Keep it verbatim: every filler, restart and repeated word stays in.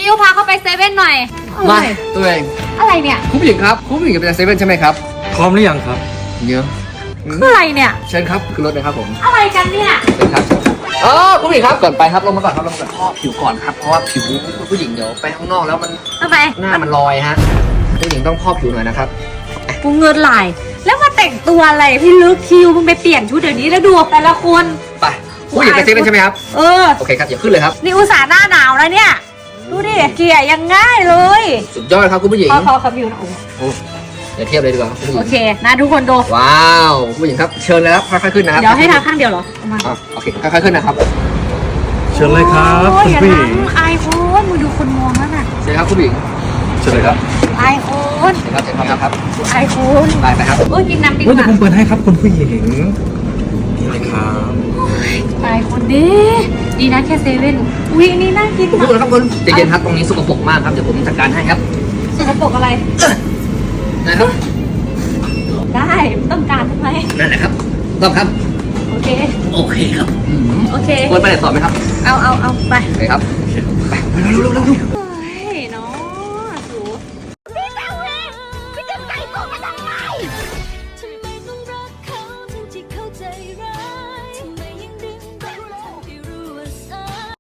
ฟิวพาเข้าไปเซเว่นหน่อยมาตัวเองอะไรเนี่ยคุณผู้หญิงครับคุณผู้หญิงจะไปเซเว่นใช่ไหมครับพร้อมหรือยังครับเยอะคืออะไรเนี่ยเชิญครับคือรถเลยครับผมอะไรกันเนี่ยเชิญครับอ๋อคุณผู้หญิงครับก่อนไปครับลงมาก่อนครับลงมาก่อนพอกผิวก่อนครับเพราะว่าผิวคุณผู้หญิงเดี๋ยวไปข้างนอกแล้วมันทำไมหน้ามันลอยฮะผู้หญิงต้องพอกผิวหน่อยนะครับกูเงินไหลแล้วมาแต่งตัวอะไรพี่ลึกคิวมึงไปเปลี่ยนชุดเดี๋ยวนี้แล้วดูแต่ละคนไปผู้หญิงไปเซเว่นใช่ไหมครับเออโอเคครับอย่าขึ้นเลยครับนี่อุตส่าห์หน้าหนาวแล้วเนี่ย ดูดิ เกลี่ยยังง่ายเลยสุดยอดครับคุณผู้หญิงขอขอขอผิวหนะโอ้เดี๋ยวเทียบเลยดีกว่าครับคุณผู้หโอญิงเคนะทุกคนดูว้าวคุณผู้หญิงครับเชิญเลยครับค่อยๆขึ้นนะครับเดี๋ยวให้ทาข้างเดียวเหรอเอามาอ่ะโอเคค่อยๆขึ้นนะครับเชิญเลยครับโอ้ยคุณอย่าผู้หญิงทำไอโฟนมึงดูคนมองแล้วน่ะเชิญครับคุณผู้หญิงเชิญเลยครับไอโฟนเชิญครับเชิญครับครับไอโฟนไปไปครับโอ้ยกินน้ำดีกเฮ้ยเดี๋ยวว่าผมเปิดให้ครับคุณผู้หญิงนี่เลยครับไอโฟนดีดีนะแค่เซเว่นวินี่น่ากินคุณมาผู้ชมกครับคุณใจเย็นครับตรงนี้สกปรกมากครับเดี๋ยวผมจัดการให้ครับสกปรกอะไรนะครับได้ต้องการทำไมนั่นแหละครับต้องครับโอเคโอเคครับอืมโอเคควรไปไหนต่อไหมครับเอาเอาเอาไปโอเคครับไปเร็วๆเร็วๆเร็วๆ